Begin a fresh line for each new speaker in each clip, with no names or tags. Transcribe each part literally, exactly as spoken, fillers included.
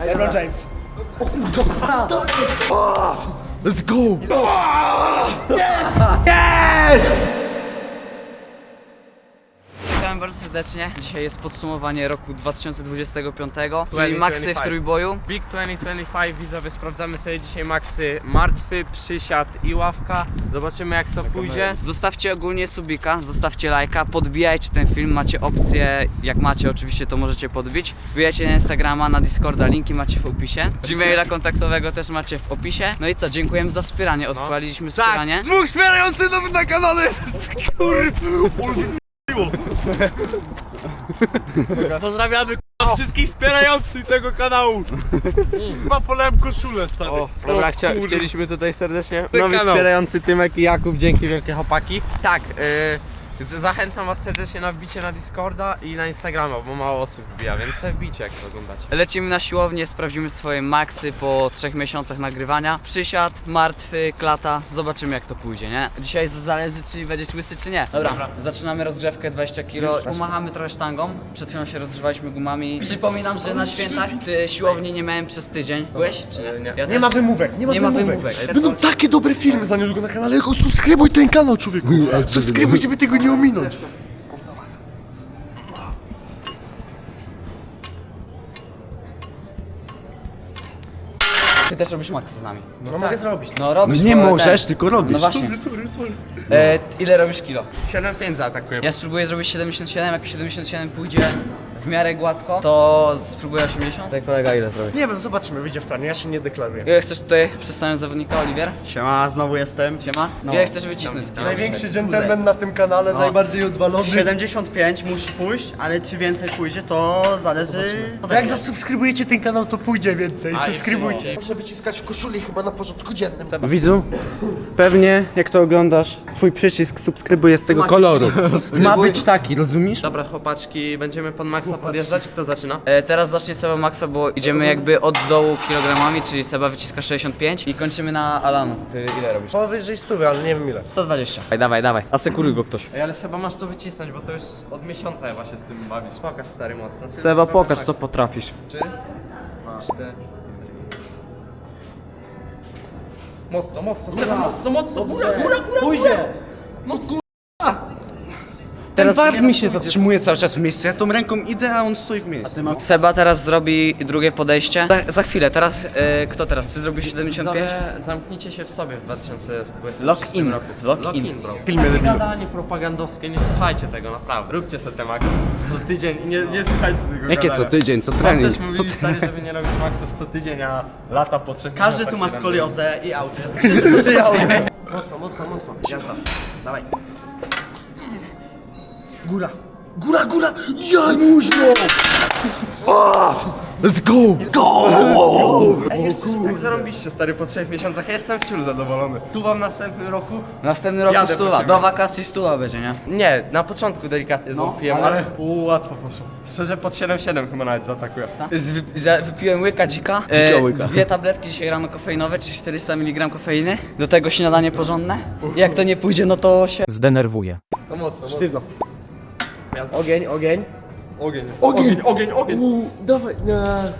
LeBron James.
Let's go!
Witam bardzo serdecznie. Dzisiaj jest podsumowanie roku dwa tysiące dwudziestego piątego, czyli
dwa tysiące
maksy w
dwudziesty piąty.
trójboju.
Big dwa tysiące dwudziesty piąty, widzowie, sprawdzamy sobie dzisiaj maksy martwy, przysiad i ławka. Zobaczymy jak to pójdzie.
Zostawcie ogólnie subika, zostawcie lajka, podbijajcie ten film, macie opcję, jak macie oczywiście to możecie podbić. Wbijajcie na Instagrama, na Discorda, linki macie w opisie. Gmaila kontaktowego też macie w opisie. No i co, dziękujemy za wspieranie, odpaliliśmy wspieranie.
Dwóch wspierających nowych na kanale! Kur...
Pozdrawiamy wszystkich wspierających tego kanału. Chyba polałem koszulę, stary. O, dobra, chcia chcieliśmy tutaj serdecznie nowi wspierający Tymek i Jakub, dzięki wielkie chłopaki. Tak, yy, zachęcam was serdecznie na wbicie na Discorda i na Instagrama, bo mało osób wbija, więc sobie wbicie jak to oglądacie.
Lecimy na siłownię, sprawdzimy swoje maksy po trzech miesiącach nagrywania. Przysiad, martwy, klata, zobaczymy jak to pójdzie, nie? Dzisiaj zależy czy będziesz łysy czy nie. Dobra, Dobra. zaczynamy rozgrzewkę dwadzieścia kilo. Pomachamy trochę sztangą, przed chwilą się rozgrzewaliśmy gumami. Przypominam, że na świętach ty siłowni nie miałem przez tydzień. Byłeś czy nie?
Nie.
Ja
Nie
też.
ma wymówek, nie ma
Nie ma
wymówek.
wymówek.
Będą takie dobre filmy za niedługo na kanale, tylko subskrybuj ten kanał, człowieku! Subskrybuj, żeby tego nie ominąć!
Ty też robisz maksy z nami.
No mogę zrobić.
No robisz.
Nie
bo
możesz,
ten-
tylko robisz.
No właśnie.
Sorry, sorry.
E, ile robisz kilo?
siedem pięć zaatakujemy.
Ja spróbuję zrobić siedemdziesiąt siedem, jak siedemdziesiąt siedem pójdzie w miarę gładko, to spróbuję osiemdziesiąt. Tak kolega ile zrobi?
Nie wiem, zobaczymy, wyjdzie w planie, ja się nie deklaruję.
Ile chcesz tutaj przedstawić zawodnika, Oliwier?
Siema, znowu jestem.
Siema? Ile chcesz wycisnąć z kilo?
Największy dżentelmen na tym kanale, najbardziej odwalony.
siedemdziesiąt pięć musi pójść, ale czy więcej pójdzie, to zależy ode
Jak
mnie.
zasubskrybujecie ten kanał, to pójdzie więcej.
A,
Subskrybujcie.
jeszcze
Muszę wyciskać w koszuli chyba na porządku dziennym.
Widzu, pewnie jak to oglądasz, twój przycisk subskrybuj jest tego koloru. Ma być taki, rozumiesz? Dobra chłopaczki, będziemy pod maksa podjeżdżać, kto zaczyna?
E, teraz zacznie Seba Maxa, bo idziemy jakby od dołu kilogramami, czyli Seba wyciska sześćdziesiąt pięć i kończymy na Alanu. Ty ile robisz?
Powyżej stówy, ale nie wiem ile.
sto dwadzieścia. Dawaj, dawaj, dawaj. Asekuruj go ktoś.
Ej, ale Seba masz to wycisnąć, bo to już od miesiąca chyba się z tym bawisz. Pokaż stary mocno.
Seba, pokaż co potrafisz.
Trzy, cztery. Mocno, mocno, Seba, mocno, mocno, góra, góra, góra,
Pójdzie.
Ten bark mi się zatrzymuje cały czas w miejscu, ja tą ręką idę, a on stoi w miejscu.
Seba teraz zrobi drugie podejście. Za, za chwilę, teraz e, kto teraz? Ty zrobisz siedemdziesiąt pięć?
Widzowie, zamknijcie się w sobie w dwa tysiące dwudziestym
Lock
trzecim
in.
roku.
Lock in.
bro. Gadanie propagandowskie, nie słuchajcie tego, naprawdę. Róbcie sobie te maksy. Co tydzień, nie, nie słuchajcie tego
Jakie
gadania.
co tydzień, co
Wam
trening?
też mówili stary, żeby nie robić maksów co tydzień, a lata po trzech
Każdy
miesiącach
tu ma
się
skoliozę i autyzm. Wszyscy są
Mocno, mocno, mocno. Jazda. Dawaj. Góra. Góra, góra! Januźno!
Let's go! Go!
Ej, jeszcze się tak zarąbiście stary po trzech miesiącach, ja jestem wciąż zadowolony. Tu wam w następnym roku?
Następny rok
Jadę po
stuwa.
ciebie.
Do wakacji stuwa będzie, nie?
Nie, na początku delikatnie
No,
złapiłem,
ale-
ale u, łatwo poszło. Szczerze pod siedem siedem chyba nawet zaatakuję.
Z, wy, za, wypiłem łyka dzika,
Dzika łyka.
dwie tabletki dzisiaj rano kofeinowe, czyli czterysta miligramów kofeiny. Do tego śniadanie porządne. Jak to nie pójdzie, no to się...
Zdenerwuje.
To mocno,
Sztywno.
mocno.
Ogień, ogień.
Ogień jest.
Ogień.
Ogień, ogień, ogień.
Uuu, dawaj. Nie.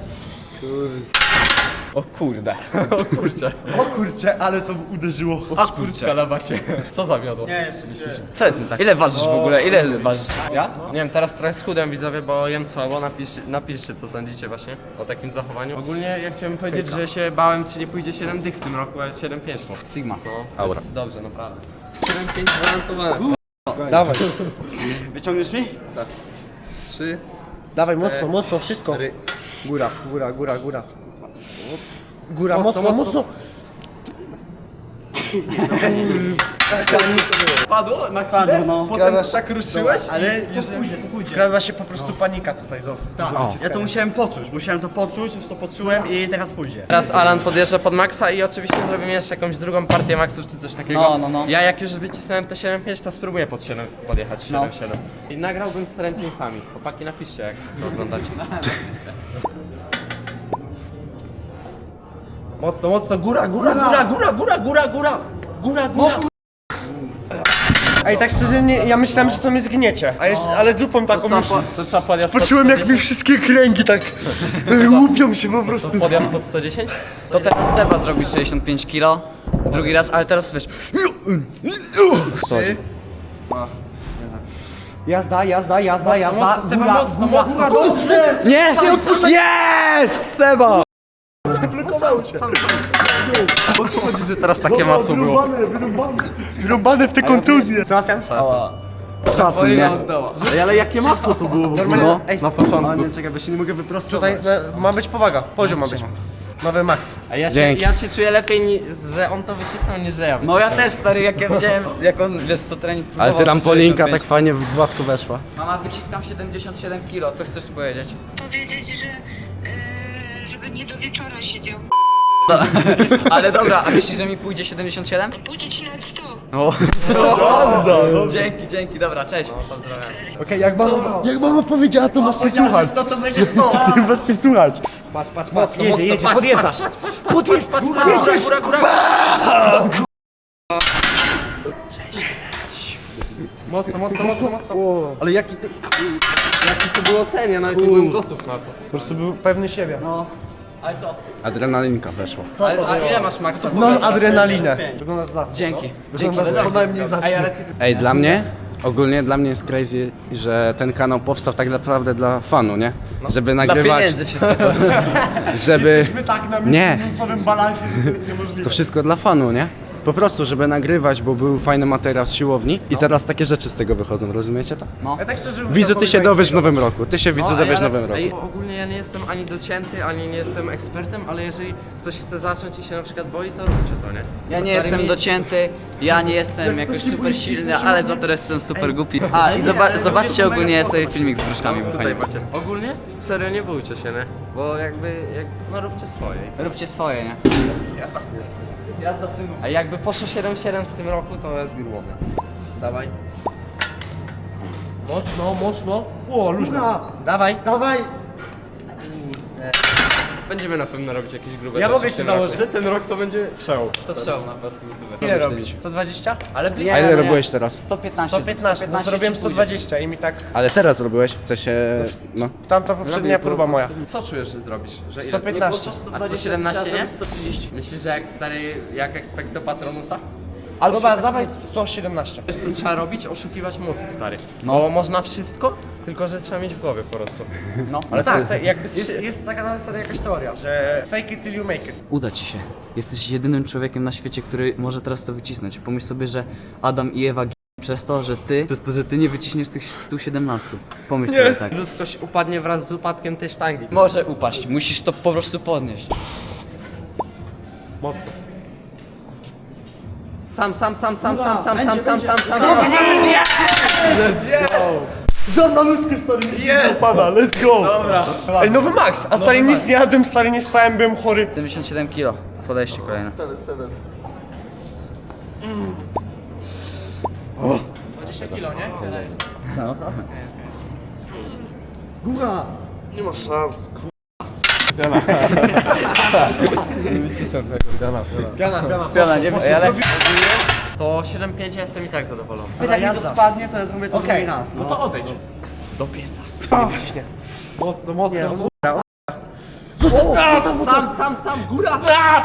O kurde.
O kurczę.
O kurczę, ale to uderzyło.
A kurczę. na bacie. Co zawiodło?
Nie, jeszcze nie.
Co jest nie tak? Ile ważysz w ogóle? Ile ważysz? Ja?
Nie wiem, teraz trochę schudłem widzowie, bo jem słabo. Napisz, napiszcie co sądzicie właśnie o takim zachowaniu. Ogólnie ja chciałem powiedzieć, że się bałem, czy nie pójdzie siedem dych w tym roku, ale siedem pięć po.
Sigma.
No, Aura. Jest dobrze, naprawdę. siedem pięć gwarantowane.
Dawaj.
Wyciągniesz mi?
Trzy.
Dawaj, mocno, mocno, wszystko. Góra, góra, góra, góra. Góra,
Mocno,
mocno,
mocno.
mocno.
Padło? Na chwilę?
no.
Potem tak ruszyłeś?
Ale już pójdzie, to pójdzie.
Wkradła się po prostu panika tutaj do...
Tak, ja to musiałem poczuć, musiałem to poczuć, już to poczułem i teraz pójdzie.
Teraz Alan podjeżdża pod maksa i oczywiście zrobimy jeszcze jakąś drugą partię maksów czy coś takiego.
No, no, no.
Ja jak już wycisnąłem te siedem pięć, to spróbuję pod siedem podjechać,
No.
siedem siedem. I nagrałbym z trendlingsami. Chłopaki napiszcie jak to oglądacie. Mocno, mocno, góra, góra, góra, góra, góra, góra, góra, góra, góra.
Ej, tak szczerze, nie, ja myślałem, że to mnie zgniecie. A jeszcze, ale dupą taką
Co,
już...
po, to co, podjazd pod
Poczułem jak
sto
mi
dziesięć?
wszystkie kręgi tak łupią się po prostu.
Podjazd pod sto dziesięć?
To teraz Seba zrobi sześćdziesiąt pięć kilo. Drugi raz, ale teraz wiesz.
Jazda, jazda, jazda, jazda.
mocno, Seba,
Góra,
mocno,
góra,
mocno.
góra, dobrze!
Nie! Jest! Seba!
Chodzi, że teraz takie masło było.
Wyrąbane, wyrąbane. Wyrąbane w te kontuzje. Sebastian?
Szacun, nie?
Ej, ale jakie masło to było w ogóle?
No. Ej,
Na początku.
nie, czekaj, bo się nie mogę wyprostować.
tutaj e, ma być powaga, poziom ma być. Nowy max.
A ja się,
Dzięki.
ja się czuję lepiej, ni- że on to wycisnął niż że ja
No ja też stary, jak ja widziałem, jak on wiesz co trening
Ale ty
próbował,
tam
to
Polinka
sześćdziesiąt pięć.
tak fajnie w gładko weszła.
Mama, wyciskam siedemdziesiąt siedem kilo, co chcesz powiedzieć?
powiedzieć, że yy, żeby nie do wieczora siedział.
Ale dobra, a myślisz, że mi pójdzie siedemdziesiąt siedem?
Pójdzie ci nad sto.
O. Dzięki, dzięki, dobra, cześć.
Okej, jak mama, jak mama powiedziała, to masz się słuchać.
sto to będzie sto.
Ty masz się słuchać. Patrz, patrz, patrz, jedzie, jedzie, podjeżdżasz. Podjeżdżasz, jedziesz.
Góra, góra, góra! Mocno, mocno, mocno, mocno. Ale jaki to... Jaki to było ten, ja nawet nie byłem gotów na to.
Po prostu był pewny siebie.
Ale co?
Adrenalinka weszła.
Co
Ale,
to
a
było?
ile masz maksa?
Non adrenalinę. Wyglądasz za
Dzięki. Dzięki.
Wyglądasz co najmniej za
Ej, dla mnie, ogólnie dla mnie jest crazy, że ten kanał powstał tak naprawdę dla fanu, nie? Żeby
Dla
nagrywać,
pieniędzy wszystko.
żeby...
My tak na
Nie.
minusowym balansie, że to jest niemożliwe.
To wszystko dla fanu, nie? Po prostu, żeby nagrywać, bo był fajny materiał z siłowni i teraz takie rzeczy z tego wychodzą, rozumiecie to?
Ja tak szczerze bym
Widzu,
chciał
ty się
powiedzieć
dowiesz w
swojego.
nowym roku, ty się widzu dowiesz w nowym roku.
Ej, ogólnie ja nie jestem ani docięty, ani nie jestem ekspertem, ale jeżeli ktoś chce zacząć i się na przykład boi, to róbcie to, nie?
Ja
Bo
nie
stary
jestem
mi-
docięty, ja nie jestem jakoś super silny, ale za to jestem super głupi. A i zoba zobaczcie ogólnie sobie filmik z gruszkami, bo fajnie
Tutaj
będzie.
macie. Ogólnie? Serio, nie bójcie się, nie? Bo jakby, jak, no róbcie swoje.
Róbcie swoje, nie? Jazda synu.
A jakby poszło siedem siedem w tym roku, to jest grubo. Dawaj.
Mocno, mocno. O, luźno. Dawaj.
Dawaj.
Będziemy na pewno robić jakieś grube
Ja
rzeczy
mogę
w
się
tym roku.
założyć.
Że ten rok to będzie przełom.
To przełom na polskim YouTube.
Ile robić? sto dwadzieścia?
Ale blisko.
A ile
nie.
robiłeś teraz?
sto piętnaście.
sto piętnaście, no zrobiłem sto dwadzieścia i mi tak...
Ale teraz robiłeś? W sensie, no.
Tamta poprzednia próba moja.
Co czujesz, że zrobisz? Że ile?
sto piętnaście.
A sto siedemnaście nie?
sto trzydzieści.
Myślisz, że jak stary, jak Expecto Patronusa?
Albo Dobra, dawaj sto siedemnaście.
Wiesz co trzeba robić? Oszukiwać mózg, stary. No. Bo można wszystko, tylko że trzeba mieć w głowie po prostu.
No.
Ale tak, jest, jakby jest, jest taka nawet stara jakaś teoria, że fake it till you make it.
Uda ci się. Jesteś jedynym człowiekiem na świecie, który może teraz to wycisnąć. Pomyśl sobie, że Adam i Ewa g- przez to, że ty, przez to, że ty nie wyciśniesz tych stu siedemnastu. Pomyśl sobie tak.
Ludzkość upadnie wraz z upadkiem tej sztangi.
Może upaść, musisz to po prostu podnieść.
Mocno.
Sam, sam, sam, sam, sam, sam, sam, sam, sam, sam, sam.
Żadna ludzka stary nie upada, let's go! Dobra. Ej, nowy max, a stary nic nie jadłem, stary nie spałem, byłem chory.
siedemdziesiąt siedem kilo. Podejście kolejne.
dwadzieścia kilo, nie?
Góra.
Nie ma szans, ku...
Piana, piana.
Piona, nie wiem, ale...
To siedem pięć ja jestem i tak zadowolony.
Jak mi to spadnie, to ja zrobię to drugi raz.
No to odejdź.
Do pieca.
Ciśnie. Mocno, mocno.
Sam, sam, sam, góra!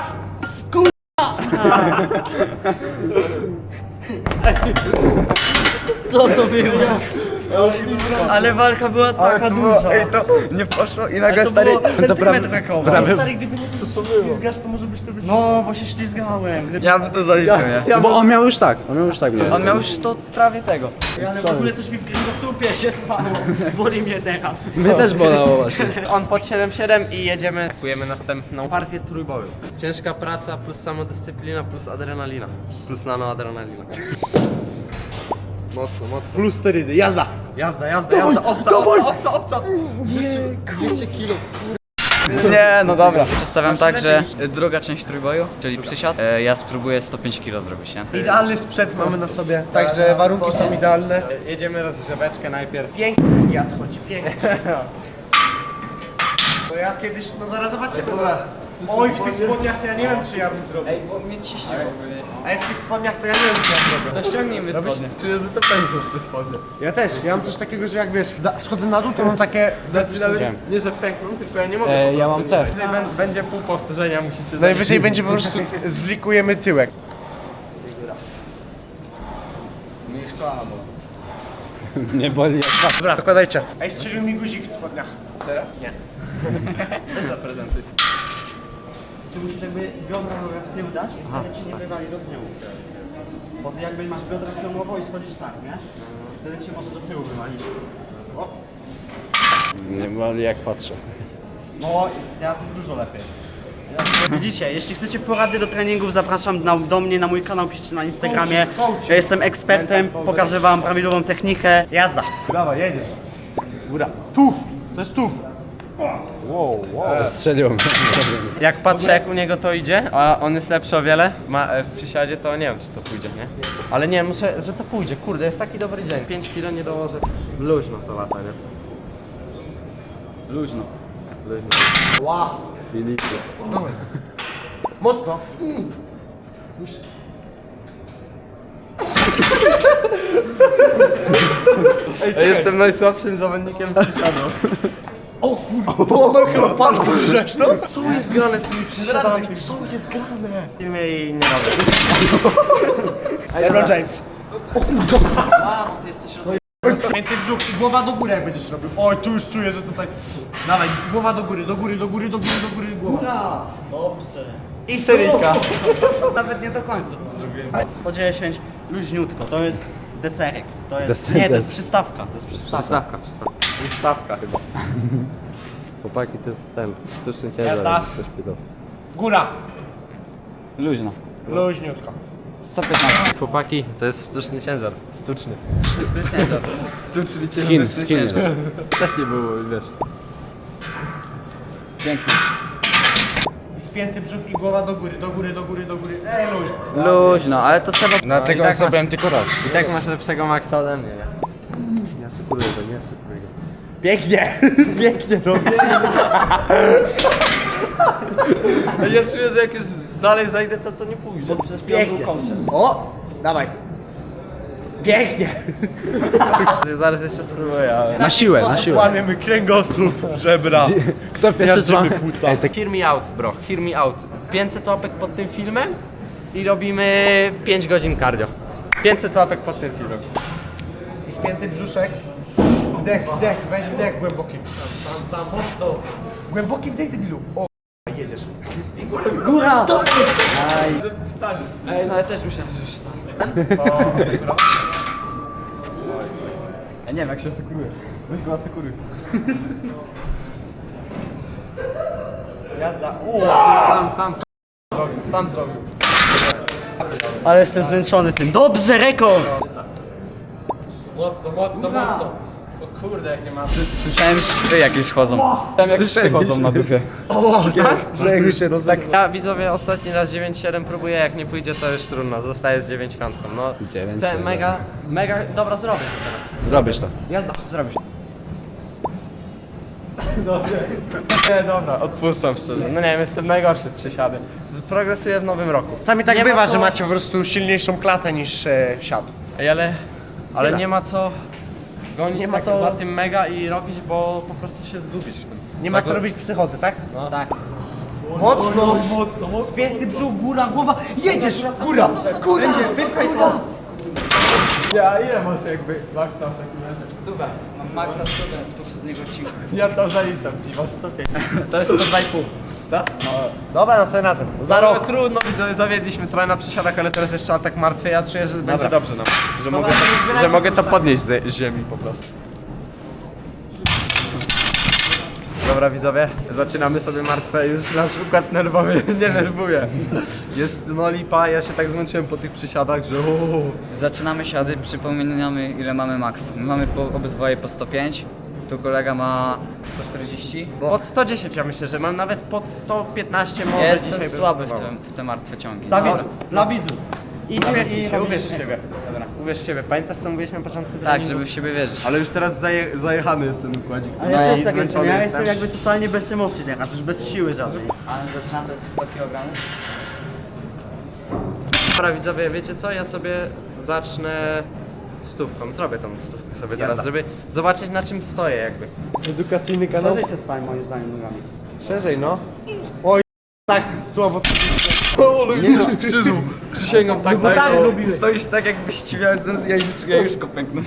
Co to było? Ale walka była taka duża.
Ej, to nie poszło i
Ale
nagle
to
stary...
było centymetr brakowo.
Ale stary, gdyby nie co to było? Ślizgasz, to może być to być...
No, bo się ślizgałem. Gdyby...
Ja bym to zaliczył, nie?
Bo on miał już tak, on miał już tak mnie.
On miał już to prawie tego.
Ale w ogóle coś mi w kręgosłupie się stało. Boli mnie teraz.
Mnie też bolało właśnie.
On pod siedem siedem i jedziemy. Atakujemy następną partię trójboju. Ciężka praca plus samodyscyplina plus adrenalina. Plus nanoadrenalina. Mocno, mocno.
Plus sterydy, jazda!
Jazda, jazda, jazda. Owca, owca, owca, owca. dwieście kilo.
Nie, no dobra. Przedstawiam tak, że druga część trójboju, czyli przysiad, e, ja spróbuję sto pięć kilo zrobić, nie?
Idealny sprzęt mamy na sobie, także warunki są idealne.
Jedziemy rozgrzeweczkę najpierw.
Pięknie, jad chodzi, pięknie. Bo ja kiedyś, no zaraz zobaczcie, dobra. Oj, w tych spodniach to ja nie wiem, czy ja bym zrobił.
Ej, bo mnie ciśnie w ogóle.
Ej, w tych spodniach to ja nie wiem, czy ja zrobię.
To ściągnijmy spodnie.
Czuję, że to pękło w te spodnie. Ja też, ja mam coś takiego, że jak wiesz, da, schodzę na dół, to mam takie... Znaczy nawet nie, że pękną, tylko ja nie mogę
E,
po
ja
prostu
mam też.
Najwyżej bę- będzie pół powtórzenia, musicie... Najwyżej będzie po prostu zlikujemy tyłek.
Mnie szkoła była.
Nie boli jak was.
Dobra, dokładajcie. Ej, strzelił mi guzik w spodniach.
Serio?
Nie.
Bez za prezenty.
Ty musisz jakby biodra nogę w tył dać i wtedy ci nie wywali do tyłu. Bo ty jakby masz biodra pionowo i schodzisz tak, nie? I wtedy cię może do tyłu wywalić. O.
Nie boli jak patrzę.
No i teraz jest dużo lepiej. Widzicie, jeśli chcecie porady do treningów, zapraszam na, do mnie na mój kanał, piszcie na Instagramie. Ja jestem ekspertem, pokażę wam prawidłową technikę. Jazda!
Dawaj, jedziesz. Góra. Tuf! To jest tuf.
Strzeliło mnie.
Jak patrzę jak u niego to idzie, a on jest lepszy o wiele ma, e, w przysiadzie, to nie wiem czy to pójdzie, nie? Ale nie, muszę, że to pójdzie, kurde, jest taki dobry dzień. pięć kilo nie dołożę. Luźno to lata, nie?
Luźno.
Luźno.
Wow!
Filipie.
Mocno.
Ja jestem najsłabszym zawodnikiem przysiadu.
Połamał chyba palce, słyszałeś to? Co jest grane z tymi przysiadami? Co jest grane?
W filmie i nie robię.
LeBron James.
A, ty jesteś rozjebany.
Pięty brzuch i głowa do góry jak będziesz robił. Oj, tu już czuję, że tutaj... Dawaj, głowa do góry, do góry, do góry, do góry, do góry, głowa.
Dobrze.
I seryjka.
Nawet nie do końca to zrobiłem. sto dziesięć, luźniutko, to jest deserek. To jest,
Deserek.
nie, to jest przystawka, to jest przystawka.
Przystawka, przystawka. Przystawka chyba.
Chłopaki to jest ten sztuczny
Jazda.
ciężar. Coś pido.
Góra.
Luźno.
Luźniutko.
sto piętnaście.
Chłopaki, to jest sztuczny ciężar. Sztuczny. Sztuczny ciężar.
Skin, skin.
Też nie było, wiesz.
Pięknie.
I spięty brzuch i głowa do góry, do góry, do góry, do góry. Ej, luźno.
Luźno, ale to trzeba...
Dlatego
tak
zrobiłem tylko raz.
I tak masz lepszego maksa ode mnie, nie?
Ja sekuruję to, nie sekuruję.
Pięknie. Pięknie robię.
Ja czuję, że jak już dalej zajdę, to to nie pójdzie.
Przed chwilą był kącie.
O, dawaj. Pięknie.
Zaraz jeszcze spróbuję, ale...
Na siłę, na siłę.
Łamiemy kręgosłup, żebra.
Kto pierwszy
Miażdżymy
trwa?
płuca.
Ej, tak
Hear me out, bro, hear me out. pięćset łapek pod tym filmem i robimy pięć godzin cardio. pięćset łapek pod tym filmem.
I spięty brzuszek. Wdech, wdech, weź wdech głęboki. Sam, sam, mocno. Głęboki wdech, debilu. O, jedziesz.
Góra!
Ej, no ja też myślałem, że już stałem. Ja nie wiem, jak się asekuruje. Weź go asekuruj.
Jazda.
Sam, sam, sam zrobił, sam zrobił.
Ale jestem zmęczony tym. Dobrze, rekord!
Mocno, mocno, mocno. O kurde, jakie ma...
Słyszałem szwy jakieś chodzą. Słyszałem jak szwy chodzą na dupie.
O, tak? Że tu się
Tak, ja widzowie ostatni raz dziewięć siedem próbuję, jak nie pójdzie to już trudno, zostaję z dziewięć piątką. No,
dziewięć
chcę
siedem.
mega, mega, dobra zrobię to teraz.
Zrobisz to.
Jazda, zrobisz.
Nie, dobra.
Odpuszczam szczerze, no nie wiem, jestem najgorszy w przysiady. Z- Progresuję w nowym roku.
Czasami tak
Nie ma
bywa,
co-
że macie po prostu silniejszą klatę niż e, siad.
Ej, ale, ale
Tyle.
nie ma co gonić
Nie ma
tak
co-
za tym mega i robić, bo po prostu się zgubisz w tym.
Nie ma
Za-
co robić psychodzy, tak?
Tak.
Mocno, mocno, mocno. Spięty brzuch, góra, głowa. Jedziesz, góra, góra, więcej co?
Ja ile masz jakby maksa w takim razie?
Stówę. Mam maksa stówę z poprzedniego odcinka.
Ja to zaliczam ci, was sto pięć.
To jest sto dwa i pół.
Dobra, następnym razem. Za
Ale
rok.
trudno, widzowie, zawiedliśmy trochę na przysiadach, ale teraz jeszcze atak martwy. Ja czuję, że będzie dobrze nam. Że, mogę, to, że mogę to podnieść z ziemi po prostu. Dobra widzowie, zaczynamy sobie martwe, już nasz układ nerwowy nie nerwuje. Jest no lipa, ja się tak zmęczyłem po tych przysiadach, że uuu.
Zaczynamy siady, przypominamy ile mamy max. My mamy po, obydwoje po sto pięć. Tu kolega ma sto czterdzieści.
Pod sto dziesięć ja myślę, że mam nawet pod sto piętnaście może
Ja jestem
dzisiaj bym
słaby w,
spróbował.
tym, w te martwe ciągi.
Dla widzów, dla widzów. Idź i
Uwierz w siebie,
robisz-
uwierz w siebie.
Dobra.
uwierz w siebie. Pamiętasz co mówiłeś na początku
Tak,
treningu?
żeby w siebie wierzyć.
Ale już teraz zaje, zajechany jest ten układzik.
A ja
No,
też tak jestem,
zmęczony
ja
jestem.
jestem jakby totalnie bez emocji teraz, już bez siły żadnej.
Ale zaczyna to jest sto kilogramów.
Dobra widzowie, wiecie co? Ja sobie zacznę stówką. Zrobię tą stówkę sobie teraz, żeby zobaczyć na czym stoję jakby.
Edukacyjny kanał.
Szerzej się stań moim zdaniem nogami.
Szerzej, no. Oj, tak słabo.
Nie no, krzyżu, przysięgam tak,
bo tak
o,
robiłeś.
stoisz tak jakbyś ci miał, ja już, ja już go pęknę.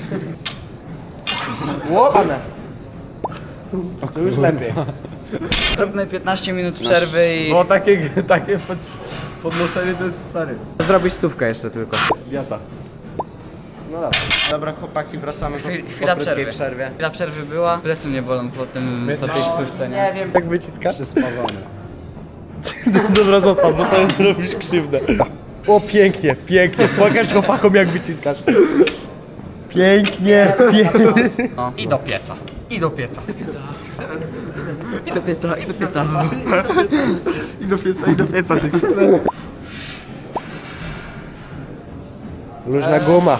Łopane. To już lepiej.
Zróbmy piętnaście minut przerwy i...
Bo takie, takie pod, podnoszenie to jest stary.
Zrobić stówkę jeszcze tylko.
Biata.
No dobra. Dobra chłopaki, wracamy po,
Chwil,
po
chwila
krótkiej
przerwy.
przerwie.
Chwila przerwy była. Plecy mnie bolą po tym, po tej stówce, nie?
Nie wiem,
Jak wyciskasz?
Przyspawany.
Dobra, zostaw, bo sobie zrobisz krzywdę. O, pięknie, pięknie. Pokaż chłopakom jak wyciskasz. Pięknie, pięknie.
No.
I do pieca. I do pieca.
I do pieca, i do pieca. I do pieca, i do pieca.
Luźna guma.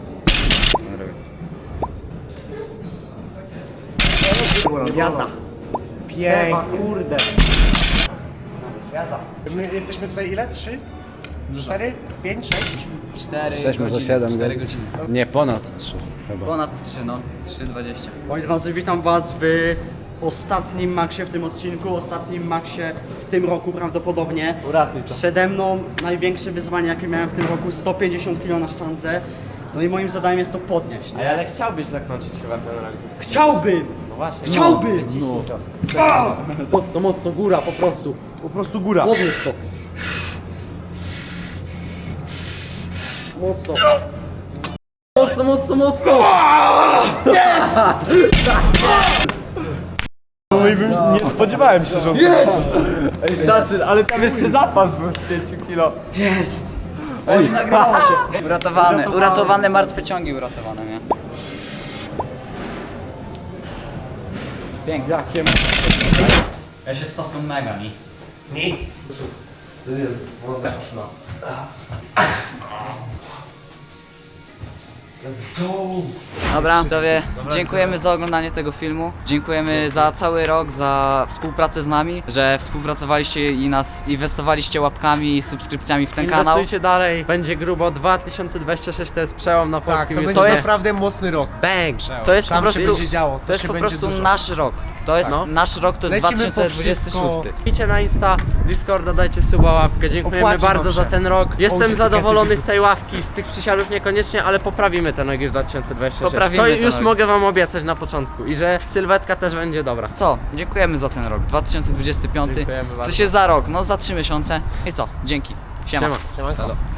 Jazda. Pięknie. Kurde. Jazda. My jesteśmy tutaj ile? Trzy? Cztery? Pięć? Sześć?
cztery
sześć, może
godziny,
siedem
cztery
godzin.
godziny.
Nie, ponad trzy chyba.
Ponad trzy, no, z trzy dwadzieścia.
moi drodzy, witam was w ostatnim maksie w tym odcinku, ostatnim maksie w tym roku prawdopodobnie.
Uratuj to.
Przede mną największe wyzwanie jakie miałem w tym roku, sto pięćdziesiąt kilo na sztance. No i moim zadaniem jest to podnieść, nie?
Ale chciałbyś zakończyć chyba ten rok ze
Chciałbym!
No właśnie.
Chciałbym!
Mocno, mocno, góra po prostu. Po prostu góra. Podnieś to. Mocno. Mocno, mocno, mocno! No i bym nie spodziewałem się, że on Jest! Ej, szacy, ale tam jeszcze zapas był z pięciu kilo.
Jest!
Uratowane, uratowane martwe ciągi uratowane, nie? Pięknie.
Jakie
Ja się spasłem mega, nie? Dobra, widzowie, dziękujemy za oglądanie tego filmu. Dziękujemy za cały rok, za współpracę z nami, że współpracowaliście i nas inwestowaliście łapkami i subskrypcjami w ten kanał.
Inwestujcie dalej, będzie grubo. dwa tysiące dwadzieścia sześć to jest przełom na
Tak,
polskim
to
YouTube.
będzie
To jest-
naprawdę mocny rok.
Bang!
To jest po
Tam się
prostu,
będzie działo, to
to jest
się
po
będzie
prostu
dużo.
nasz rok. To jest
No.
nasz rok, to jest
Lecimy
dwa
po
tysiące dwudziesty szósty.
wszystko.
Wbijcie na Insta, Discorda, dajcie suba, łapkę. Dziękujemy
Opłaci
bardzo
wam
za
się.
ten rok. Jestem
Kołcziki,
zadowolony
keciuki.
z tej ławki, z tych przysiadów niekoniecznie, ale poprawimy te nogi w dwa tysiące dwudziestym szóstym.
Poprawimy
To
te
już
nogi.
mogę wam obiecać na początku i że sylwetka też będzie dobra.
Co? Dziękujemy za ten rok, dwa tysiące dwudziesty piąty.
Dziękujemy bardzo.
Co się za rok? No za trzy miesiące. I co? Dzięki. Siema.
Siema. Siema.